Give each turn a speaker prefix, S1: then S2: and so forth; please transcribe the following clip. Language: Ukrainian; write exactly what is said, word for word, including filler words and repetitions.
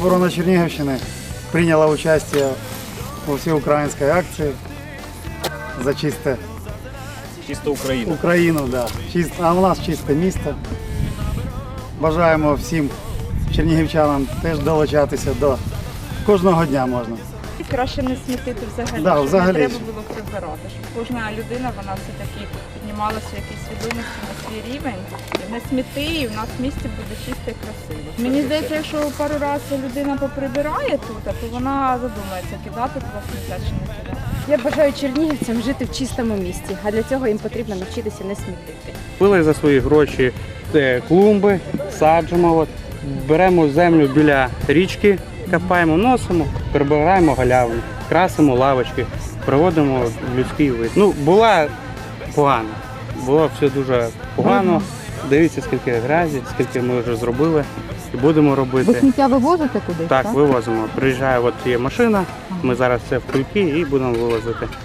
S1: обороны Черниговщины приняла участие во всеукраинской акции за чисте
S2: Чисто Україна.
S1: Україну. Да. Чист... А у нас чисте місто. Бажаємо всім чернігівчанам теж долучатися до кожного дня можна.
S3: Краще не смітити взагалі,
S1: Да,
S3: щоб
S1: взагалі.
S3: не треба було прибирати. Щоб кожна людина, вона все-таки піднімалася в якійсь свідомості на свій рівень. Не сміти, і в нас в місті буде чисто і красиво. Мені здається, якщо пару разів людина поприбирає тут, то вона задумається, кидати туди сміття чи не кидати.
S4: Я бажаю чернігівцям жити в чистому місті, а для цього їм потрібно навчитися не смітити.
S5: Купили за свої гроші е, клумби, саджимо, от, беремо землю біля річки, копаємо, носимо, прибираємо галявину, красимо лавочки, проводимо людський вид. Ну, була погано, було все дуже погано. Дивіться, скільки грязі, скільки ми вже зробили і будемо робити.
S6: Ви сміття вивозите кудись?
S5: Так, вивозимо. Приїжджає, от є машина, ми зараз це в кульки і будемо вивозити.